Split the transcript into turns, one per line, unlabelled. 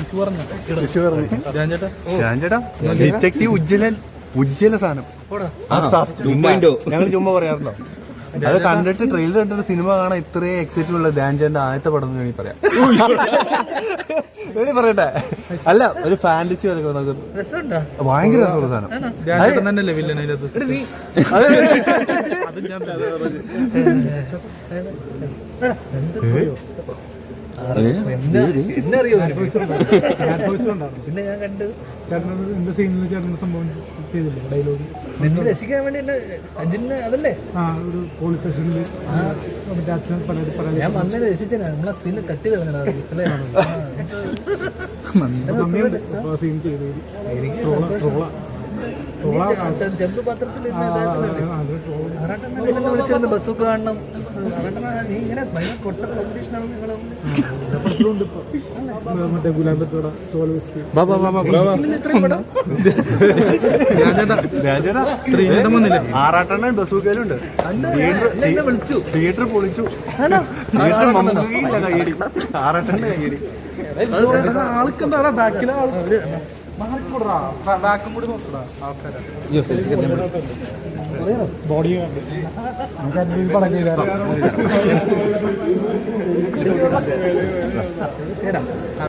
Detective ഉജ്ജ്വല സാധനം ഞങ്ങൾ ചുമ്മാ പറയാറുണ്ടോ? അത് കണ്ടിട്ട് ട്രെയിലർ കണ്ടിട്ട് സിനിമ കാണാൻ ഇത്രയും എക്സൈറ്റഡ് ഉള്ള ധ്യാൻചന്ദ് ആദ്യത്തെ പടം എന്ന് വേണമെങ്കിൽ പറയാം. പറയട്ടെ, അല്ല ഒരു ഫാന്റസി പോലെ ഭയങ്കര രസമുള്ള സാധനം.
പിന്നെ ഞാൻ കണ്ട് ചേട്ടൻ്റെ സീനിൽ ചേട്ടൻ്റെ സംഭവം ചെയ്തില്ല ഡയലോഗ് നിന്നെ രക്ഷിക്കാൻ വേണ്ടി അജിന് അതല്ലേ ഒരു പോലീസ് സ്റ്റേഷനിൽ അച്ഛൻ ഞാൻ വന്നതിനെ രക്ഷിച്ചാ നമ്മളെ സീനിൽ കട്ട് ചെയ്ത് സീൻ ചെയ്ത് ചെമ്പ് പാത്രത്തിൽ വിളിച്ചിരുന്നു ബസ്സൊക്കെ കാണണം. നീ ഇങ്ങനെ ഭയങ്കര കൊട്ട കോമ്പറ്റീഷനാണ് നിങ്ങളും മറ്റേ ഗുലാബത്തോട ചോല
ആറാട്ടെണ്ണ ബസ്സൂക്കലുണ്ട്.
വിളിച്ചു
തിയേറ്റർ പൊളിച്ചു. ആറാട്ടെണ്ണ കയ്യടി
ആൾക്കെന്താ ബാക്കിലെ ആൾ ബോഡി പടം ചെയ്താൽ